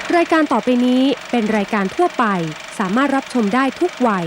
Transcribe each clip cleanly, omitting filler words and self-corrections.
รายการต่อไปนี้เป็นรายการทั่วไปสามารถรับชมได้ทุกวัย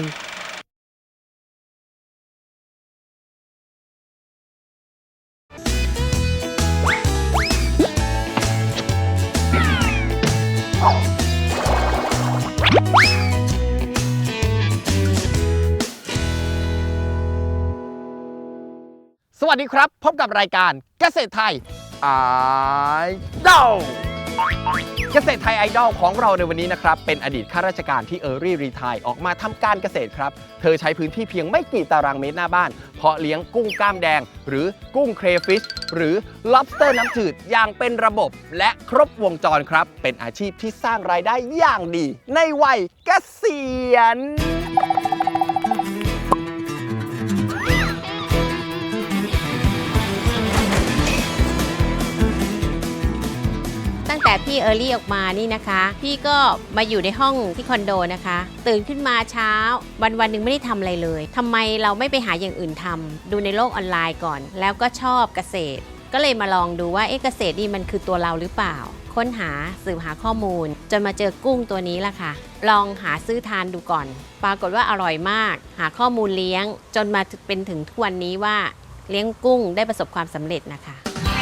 สวัสดีครับพบกับรายการเกษตรไทยไอดอลเกษตรไทยไอดอลของเราในวันนี้นะครับเป็นอดีตข้าราชการที่รีไทร์ออกมาทำการเกษตรครับเธอใช้พื้นที่เพียงไม่กี่ตารางเมตรหน้าบ้านเพาะเลี้ยงกุ้งกล้ามแดงหรือกุ้งเครฟิชหรือ lobster น้ำจืดอย่างเป็นระบบและครบวงจรครับเป็นอาชีพที่สร้างรายได้อย่างดีในวัยเกษียณตั้งแต่พี่เออร์ลี่ออกมานี่นะคะพี่ก็มาอยู่ในห้องที่คอนโดนะคะตื่นขึ้นมาเช้าวันหนึ่งไม่ได้ทำอะไรเลยทำไมเราไม่ไปหาอย่างอื่นทำดูในโลกออนไลน์ก่อนแล้วก็ชอบเกษตรก็เลยมาลองดูว่าเกษตรนี่มันคือตัวเราหรือเปล่าค้นหาสืบหาข้อมูลจนมาเจอกุ้งตัวนี้ล่ะค่ะลองหาซื้อทานดูก่อนปรากฏว่าอร่อยมากหาข้อมูลเลี้ยงจนมาเป็นถึงทุกวันนี้ว่าเลี้ยงกุ้งได้ประสบความสำเร็จนะคะ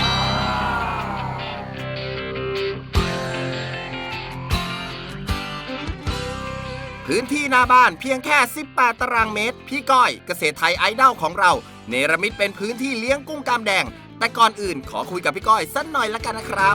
พื้นที่หน้าบ้านเพียงแค่18ตารางเมตรพี่ก้อยเกษตรไทยไอดอลของเราเนรมิตเป็นพื้นที่เลี้ยงกุ้งกามแดงแต่ก่อนอื่นขอคุยกับพี่ก้อยสักหน่อยละกันนะครับ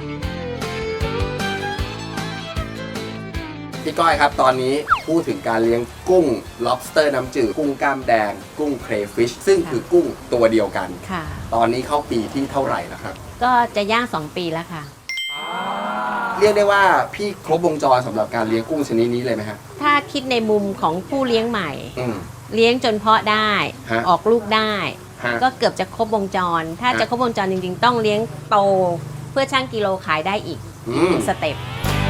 พี่ก้อยครับตอนนี้พูดถึงการเลี้ยงกุ้ง lobster น้ำจืดกุ้งกล้ามแดงกุ้ง crayfish ซึ่งคือกุ้งตัวเดียวกันค่ะตอนนี้เข้าปีที่เท่าไหร่แล้วครับก็จะย่าง2 ปีแล้วค่ะเรียกได้ว่าพี่ครบวงจรสำหรับการเลี้ยงกุ้งชนิดนี้เลยไหมฮะถ้าคิดในมุมของผู้เลี้ยงใหม่เลี้ยงจนเพาะได้ออกลูกได้ก็เกือบจะครบวงจรถ้าจะครบวงจรจริงๆต้องเลี้ยงโตเพื่อชั่งกิโลขายได้อีกสเต็ป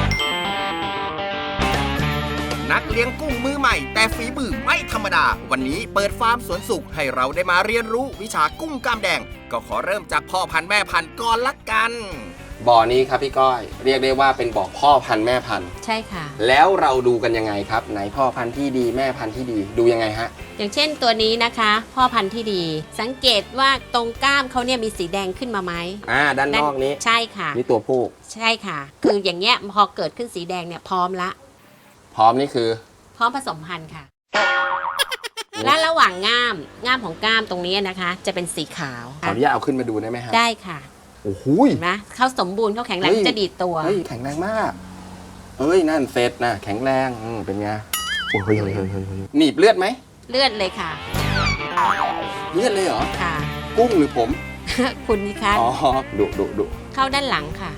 นักเลี้ยงกุ้งมือใหม่แต่ฝีมือไม่ธรรมดาวันนี้เปิดฟาร์มสวนสุขให้เราได้มาเรียนรู้วิชากุ้งกล้ามแดงก็ขอเริ่มจากพ่อพันธุ์แม่พันธุ์ก่อนละกันบ่อนี้ครับพี่ก้อยเรียกได้ว่าเป็นบ่อพ่อพันธุ์แม่พันธุ์ใช่ค่ะแล้วเราดูกันยังไงครับไหนพ่อพันธุ์ที่ดีแม่พันธุ์ที่ดีดูยังไงฮะอย่างเช่นตัวนี้นะคะพ่อพันธุ์ที่ดีสังเกตว่าตรงก้ามเขาเนี่ยมีสีแดงขึ้นมาไหมด้านนอกนี้ใช่ค่ะนี่ตัวผู้ใช่ค่ะคืออย่างเงี้ยพอเกิดขึ้นสีแดงเนี่ยพร้อมละพร้อมนี่คือพร้อมผสมพันธุ์ค่ะ และระหว่างง่ามของก้ามตรงนี้นะคะจะเป็นสีขาวขออนุญาตเอาขึ้นมาดูได้ไหมฮะได้ค่ะโอ้โหเห็นไหมเขาสมบูรณ์เขาแข็งแรงจะดีดตัวแข็งแรงมากนั่นเซตนะแข็งแรงเป็นไงโอ้ยหนีบเลือดไหมเลือดเลยค่ะเลือดเลยเหรอค่ะกุ้งหรือผมคุณนี่คะอ๋อดุเข้าด้านหลังค่ะ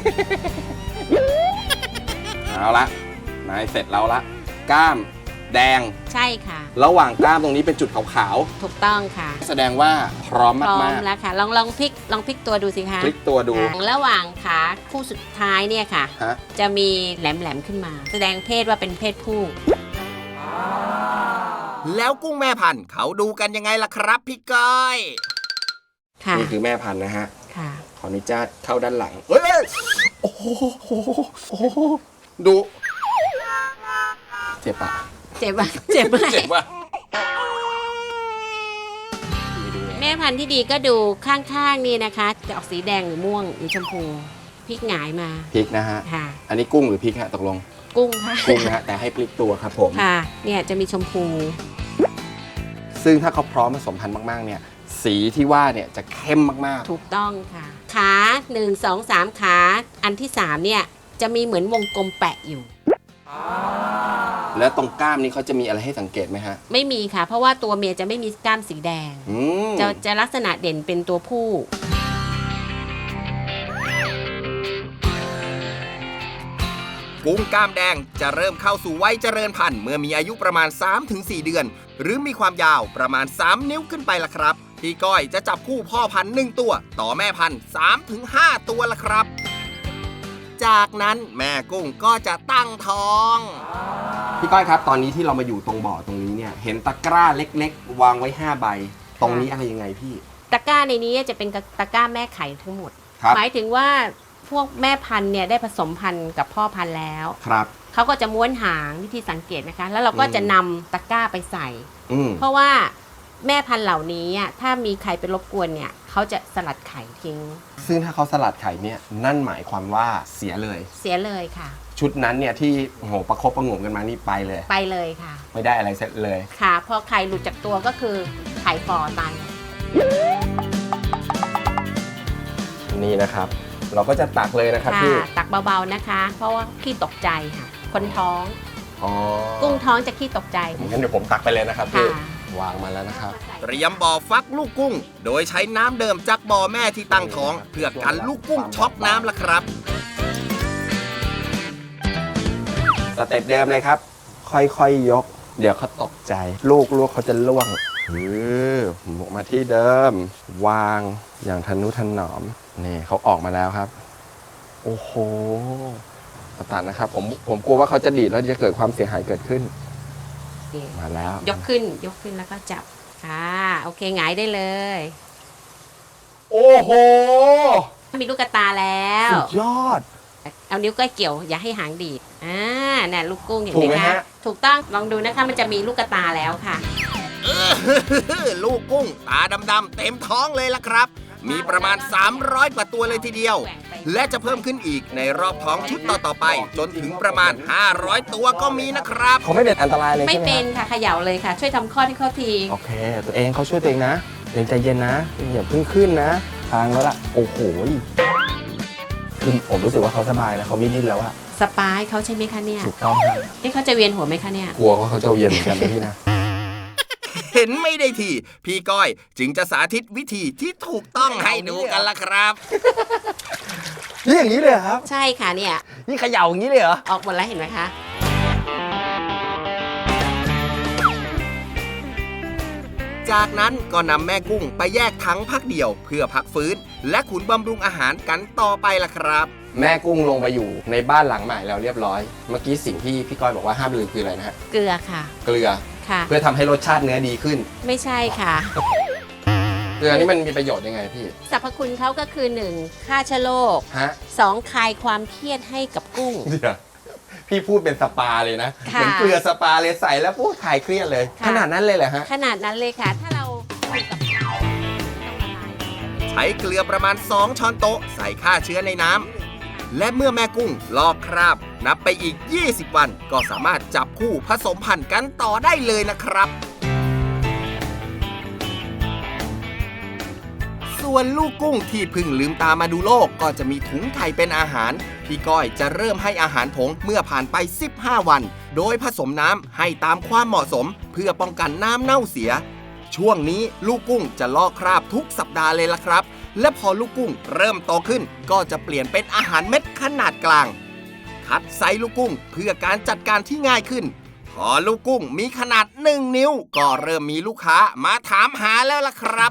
เอาละนายเสร็จแล้วละกล้ามแดงใช่ค่ะระหว่างกล้ามตรงนี้เป็นจุดขาวๆถูกต้องค่ะแสดงว่าพร้อมมากๆพร้อมแล้วค่ะลองพลิกตัวดูสิคะพลิกตัวดูระหว่างขาคู่สุดท้ายเนี่ยค่ะจะมีแหลมขึ้นมาแสดงเพศว่าเป็นเพศผู้แล้วกุ้งแม่พันธุ์เขาดูกันยังไงล่ะครับพี่ก้อยนี่คือแม่พันธุ์นะฮะขออนุญาตเข้าด้านหลังโอ้โหดูเจ็บปะเจ็บไหมแม่พันธุ์ที่ดีก็ดูข้างๆนี่นะคะจะออกสีแดงหรือม่วงหรือชมพูพลิกหงายมาพลิกนะฮะอันนี้กุ้งหรือพลิกฮะตกลงกุ้งค่ะกุ้งนะฮะแต่ให้พลิกตัวครับผมค่ะเนี่ยจะมีชมพูซึ่งถ้าเขาพร้อมผสมพันธุ์มากๆเนี่ยสีที่ว่าเนี่ยจะเข้มมากๆถูกต้องค่ะขา1 2 3ขาอันที่3เนี่ยจะมีเหมือนวงกลมแปะอยู่แล้วตรงกล้ามนี้เขาจะมีอะไรให้สังเกตไหมฮะไม่มีค่ะเพราะว่าตัวเมียจะไม่มีกล้ามสีแดงจะลักษณะเด่นเป็นตัวผู้กุ้งกล้ามแดงจะเริ่มเข้าสู่วัยเจริญพันธุ์เมื่อมีอายุประมาณ 3-4 เดือนหรือมีความยาวประมาณ3 นิ้วขึ้นไปล่ะครับพี่ก้อยจะจับคู่พ่อพันธุ์1ตัวต่อแม่พันธุ์3-5 ตัวล่ะครับจากนั้นแม่กุ้งก็จะตั้งท้องพี่ก้อยครับตอนนี้ที่เรามาอยู่ตรงบ่อตรงนี้เนี่ยเห็นตะกร้าเล็กๆวางไว้5 ใบตรงนี้อะไรยังไงพี่ตะกร้าในนี้จะเป็นตะกร้าแม่ไข่ทั้งหมดหมายถึงว่าพวกแม่พันธุ์เนี่ยได้ผสมพันธุ์กับพ่อพันธุ์แล้วครับเขาก็จะม้วนหางวิธีสังเกตนะคะ แล้วเราก็จะนำตะกร้าไปใส่อืมเพราะว่าแม่พันธุ์เหล่านี้ถ้ามีใครไปรบกวนเนี่ยเขาจะสลัดไข่ทิ้งซึ่งถ้าเขาสลัดไข่เนี่ยนั่นหมายความว่าเสียเลยเสียเลยค่ะชุดนั้นเนี่ยที่โหประคบประหงมกันมานี่ไปเลยไปเลยค่ะไม่ได้อะไรเสร็จเลยค่ะพอไข่หลุดจากตัวก็คือไข่ฟอตายนี่นะครับ เราก็จะตักเลยนะครับค่ะพี่ตักเบาๆนะคะ เพราะว่าขี้ตกใจค่ะ คนท้องอ๋อกุ้งท้องจะขี้ตกใจงั้นเดี๋ยวผมตักไปเลยนะครับพี่ค่ะวางมาแล้วนะครับเตรียมบ่อฟักลูกกุ้ง โดยใช้น้ำเดิมจากบ่อแม่ที่ตั้งท้อง เพื่อกันลูกกุ้งช็อกน้ำละครับสเต็ปเดิมเลยครับ ค่อยๆยก เดี๋ยวเขาตกใจ ลูกเขาจะล่วงหมกมาที่เดิม วางอย่างทนุถนอมนี่เขาออกมาแล้วครับ โอ้โหตัดนะครับ ผมกลัวว่าเขาจะดีดแล้วจะเกิดความเสียหายเกิดขึ้น มาแล้วยกขึ้นแล้วก็จับค่ะโอเคหงายได้เลยโอ้โหมีลูกกระตาแล้วสุดยอดเอานิ้วก้อยเกี่ยวอย่าให้หางดีดน่ะลูกกุ้งเห็นถูกไหไหมมคะฮะถูกต้องลองดูนะคะมันจะมีลูกกระตาแล้วค่ะลูกกุ้งตาดำๆเต็มท้องเลยละครับ มีประมาณ 300 กว่าตัวเลยทีเดียว และจะเพิ่มขึ้นอีกในรอบท้องชุดต่อๆไป จนถึงประมาณ 500 ตัวก็มีนะครับเขาไม่เป็นอันตรายเลยไม่ใช่ไหมเป็คน รับค่ะเขย่าเลยค่ะ ช่วยทำข้อที่เขาทีโอเค ตัวเองเขาช่วยตัวเองนะตัวเองใจเย็นนะอย่าเพิ่งขึ้นนะทางแล้วล่ะ โอ้โหคือผมรู้สึกว่าเขาสบายแล้วเขาไม่ดิ้นแล้วอะสปายเขาใช่ไหมคะเนี่ยถูกต้องครับนี่เขาจะเวียนหัวไหมคะเนี่ยกลัวว่าเขาจะเย็นเหมือนกันนะพี่นะเห็นไม่ได้ที พี่ก้อยจึงจะสาธิตวิธีที่ถูกต้องให้ดูกันละครับนี่อย่างนี้เลยเหรอครับใช่ค่ะเนี่ยนี่เขย่าอย่างนี้เลยเหรอออกหมดแล้วเห็นไหมคะจากนั้นก็นำแม่กุ้งไปแยกถังพักเดียว เพื่อพักฟื้น และขุนบำรุงอาหารกันต่อไปล่ะครับแม่กุ้งลงไปอยู่ในบ้านหลังใหม่แล้วเรียบร้อย เมื่อกี้สิ่งที่พี่ก้อยบอกว่าห้ามลืมคืออะไรนะฮะเกลือค่ะเกลือค่ะเพื่อทำให้รสชาติเนื้อดีขึ้นไม่ใช่ค่ะเกลือนี่มันมีประโยชน์ยังไงพี่สรรพคุณเขาก็คือ 1. ฆ่าเชื้อโรคฮะ 2. คลายความเครียดให้กับกุ้งเดี๋ยวพี่พูดเป็นสปาเลยนะค่ะเหมือนเกลือสปาเลยใส่แล้วพูดคลายเครียดเลยค่ะขนาดนั้นเลยเหรอฮะขนาดนั้นเลยค่ะ ถ้าเราอยู่กับเขาต้องละลายใช้เกลือประมาณ 2 ช้อนโต๊ะใส่ฆ่าเชื้อในน้ำ และเมื่อแม่กุ้งลอกคราบ นับไปอีก 20 วัน ก็สามารถจับคู่ผสมพันธุ์กันต่อได้เลยนะครับ ส่วนลูกกุ้งที่เพึ่งลืมตามาดูโลกก็จะมีถุงไข่เป็นอาหาร พี่ก้อยจะเริ่มให้อาหารผงเมื่อผ่านไป 15 วัน โดยผสมน้ำให้ตามความเหมาะสม เพื่อป้องกันน้ำเน่าเสีย ช่วงนี้ลูกกุ้งจะลอกคราบทุกสัปดาห์เลยล่ะครับ และพอลูกกุ้งเริ่มโตขึ้น ก็จะเปลี่ยนเป็นอาหารเม็ดขนาดกลาง คัดไซส์ลูกกุ้งเพื่อการจัดการที่ง่ายขึ้น พอลูกกุ้งมีขนาด 1 นิ้ว ก็เริ่มมีลูกค้ามาถามหาแล้วล่ะครับ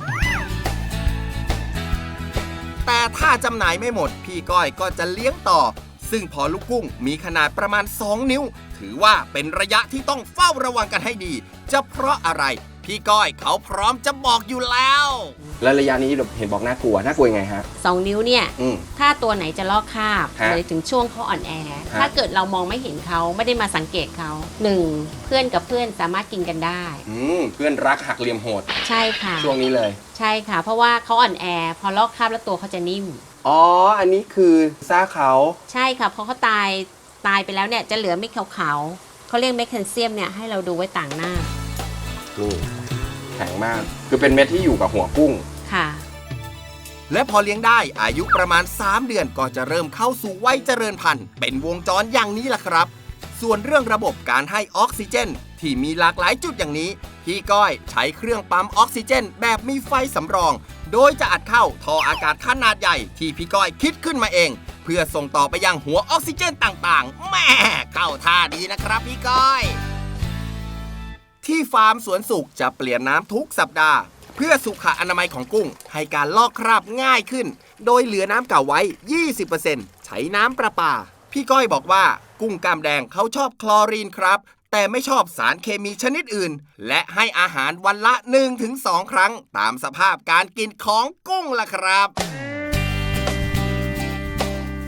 แต่ถ้าจำหน่ายไม่หมด พี่ก้อยก็จะเลี้ยงต่อ ซึ่งพอลูกกุ้งมีขนาดประมาณ 2 นิ้ว ถือว่าเป็นระยะที่ต้องเฝ้าระวังกันให้ดี จะเพราะอะไร พี่ก้อยเขาพร้อมจะบอกอยู่แล้วแล้วระยะนี้เห็นบอกน่ากลัวยังไงฮะ 2 นิ้วเนี่ยอืมถ้าตัวไหนจะลอกคราบฮะเลยถึงช่วงเขาอ่อนแอ ถ้าเกิดเรามองไม่เห็นเขาไม่ได้มาสังเกตเขา 1. เพื่อนกับเพื่อนสามารถกินกันได้เพื่อนรักหักเหลี่ยมโหดใช่ค่ะช่วงนี้เลยใช่ค่ะ เพราะว่าเขาอ่อนแอ พอลอกคราบแล้วตัวเขาจะนิ่มอ๋อ อันนี้คือซ่าเขาใช่ค่ะเพราะเขาตายไปแล้วเนี่ยจะเหลือเม็ดขาวๆเขาเรียกแมกนีเซียมเนี่ยให้เราดูไว้ต่างหน้านี่แข็งมาก คือเป็นเม็ดที่อยู่กับหัวกุ้งค่ะและพอเลี้ยงได้อายุประมาณ 3 เดือนก็จะเริ่มเข้าสู่วัยเจริญพันธุ์เป็นวงจรอย่างนี้ล่ะครับ ส่วนเรื่องระบบการให้ออกซิเจน ที่มีหลากหลายจุดอย่างนี้ พี่ก้อยใช้เครื่องปั๊มออกซิเจน แบบมีไฟสำรอง โดยจะอัดเข้าท่ออากาศขนาดใหญ่ที่พี่ก้อยคิดขึ้นมาเอง เพื่อส่งต่อไปยังหัวออกซิเจนต่างๆแม่เข้าท่าดีนะครับพี่ก้อย ที่ฟาร์มสวนสุขจะเปลี่ยนน้ำทุกสัปดาห์ เพื่อสุขอนามัยของกุ้งให้การลอกคราบง่ายขึ้น โดยเหลือน้ำเก่าไว้ 20% ใช้น้ำประปา พี่ก้อยบอกว่ากุ้งกล้ามแดงเขาชอบคลอรีนครับ แต่ไม่ชอบสารเคมีชนิดอื่น และให้อาหารวันละ 1-2 ครั้ง ตามสภาพการกินของกุ้งล่ะครับ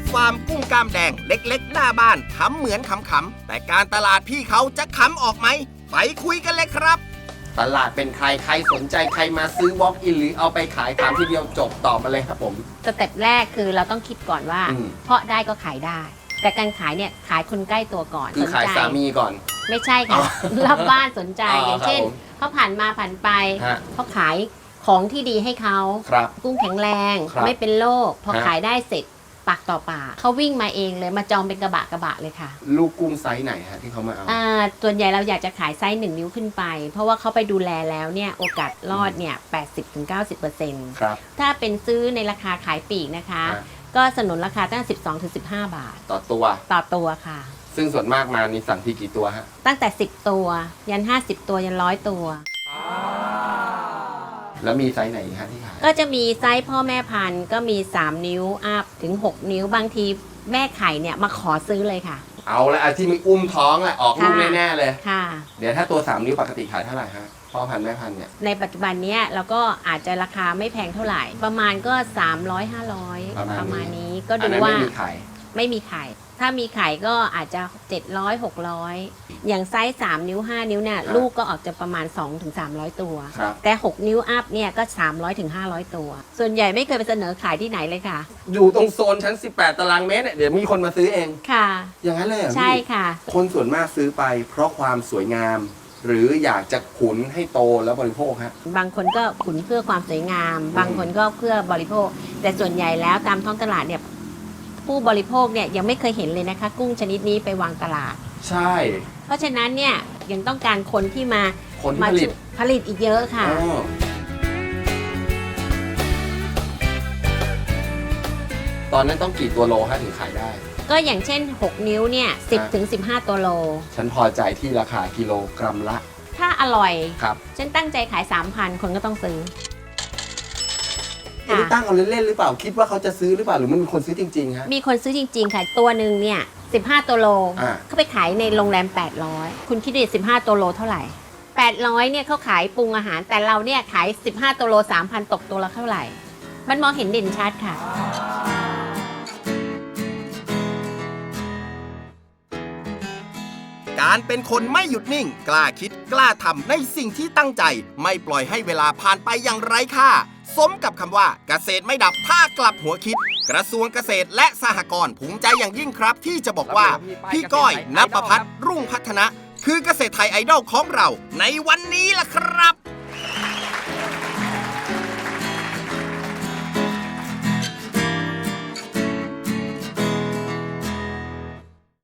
ฟาร์มกุ้งกล้ามแดงเล็กๆหน้าบ้านทำเหมือนขำๆแต่การตลาดพี่เขาจะขำออกไหมไปคุยกันเลยครับตลาดเป็นใครสนใจใครมาซื้อ walk in หรือเอาไปขายถามทีเดียวจบตอบมาเลยครับผมสเต็ปแรกคือเราต้องคิดก่อนว่า เพาะได้ก็ขายได้ แต่การขายเนี่ยขายคนใกล้ตัวก่อนคือขายสามีก่อนไม่ใช่ค่ะรอบบ้านสนใจ อย่างเช่นครับผมเขาผ่านมาผ่านไปฮะเขาขายของที่ดีให้เขาครับกุ้งแข็งแรงครับไม่เป็นโรคพอฮะขายได้เสร็จปากต่อปากเขาวิ่งมาเองเลยมาจองเป็นกระบะเลยค่ะลูกกุ้งไซส์ไหนฮะที่เขามาเอาส่วนใหญ่เราอยากจะขายไซส์1 นิ้วขึ้นไป เพราะว่าเขาไปดูแลแล้วเนี่ยโอกาสรอดเนี่ย 80-90% ครับถ้าเป็นซื้อในราคาขายปลีกนะคะฮะก็สนุนราคาตั้ง12-15 บาทต่อตัวต่อตัวค่ะซึ่งส่วนมากมานี่สั่งที่กี่ตัวฮะตั้งแต่ 10 ตัว ยัน 50 ตัวยัน100 ตัวแล้วมีไซส์ไหนฮะที่ขายก็จะมีไซส์พ่อแม่พันธุ์ก็มี 3 นิ้วอัพถึง 6 นิ้วบางทีแม่ไข่เนี่ยมาขอซื้อเลยค่ะเอาละที่มีอุ้มท้องอะออกลูกค่ะแน่ๆเลยค่ะเดี๋ยวถ้าตัว 3 นิ้วปกติขายเท่าไหร่ฮะพ่อพันธุ์แม่พันธุ์เนี่ยในปัจจุบันเนี้ยเราก็อาจจะราคาไม่แพงเท่าไหร่ ประมาณก็ 300-500 ประมาณนี้ก็อันดูนั้นว่าไม่มีขายไม่มีไข่ ถ้ามีไข่ก็อาจจะ 700-600 อย่างไซส์ 3 นิ้ว 5 นิ้วเนี่ยครับลูกก็ออกจะประมาณ 2-300 ตัวครับแต่ 6 นิ้วอัพเนี่ยก็ 300-500 ตัว ส่วนใหญ่ไม่เคยไปเสนอขายที่ไหนเลยค่ะอยู่ตรงโซนชั้น 18 ตารางเมตรเนี่ยเดี๋ยวมีคนมาซื้อเองค่ะอย่างนั้นเลยเหรอพี่ใช่ค่ะคนส่วนมากซื้อไปเพราะความสวยงาม หรืออยากจะขุนให้โตแล้วบริโภคฮะบางคนก็ขุนเพื่อความสวยงาม บางคนก็เพื่อบริโภค แต่ส่วนใหญ่แล้วตามท้องตลาดเนี่ยผู้บริโภคเนี่ยยังไม่เคยเห็นเลยนะคะ กุ้งชนิดนี้ไปวางตลาดใช่เพราะฉะนั้นเนี่ยยังต้องการคนที่มาคนที่มาผลิตผลิตอีกเยอะค่ะอ๋อตอนนั้นต้องกี่ตัวโลฮะถึงขายได้ก็อย่างเช่น 6 นิ้วเนี่ย10 ถึง 15 ตัวโลฉันพอใจที่ราคากิโลกรัมละถ้าอร่อยครับฉันตั้งใจขาย 3,000 คนก็ต้องซื้ออันนี้ตั้งเอาเล่นๆหรือเปล่าคิดว่าเขาจะซื้อหรือเปล่าหรือมันมีคนซื้อจริงๆฮะมีคนซื้อจริงๆค่ะ ตัวหนึ่งเนี่ย15 ตัวโลอ่าเขาไปขายในโรงแรม 800 คุณคิดดู15 ตัวโลเท่าไหร่ 800เนี่ยเขาขายปรุงอาหาร แต่เราเนี่ยขาย 15 ตัวโล 3,000 ตกตัวละเท่าไหร่ มันมองเห็นเด่นชัดค่ะการเป็นคนไม่หยุดนิ่ง กล้าคิดกล้าทำในสิ่งที่ตั้งใจ ไม่ปล่อยให้เวลาผ่านไปอย่างไร้ค่า สมกับคำว่าเกษตรไม่ดับถ้ากลับหัวคิด กระทรวงเกษตรและสหกรณ์ภูมิใจอย่างยิ่งครับ ที่จะบอกว่า พี่ก้อยณปพัฒน์รุ่งพัฒนะ คือเกษตรไทยไอดอลของเราในวันนี้ล่ะครับ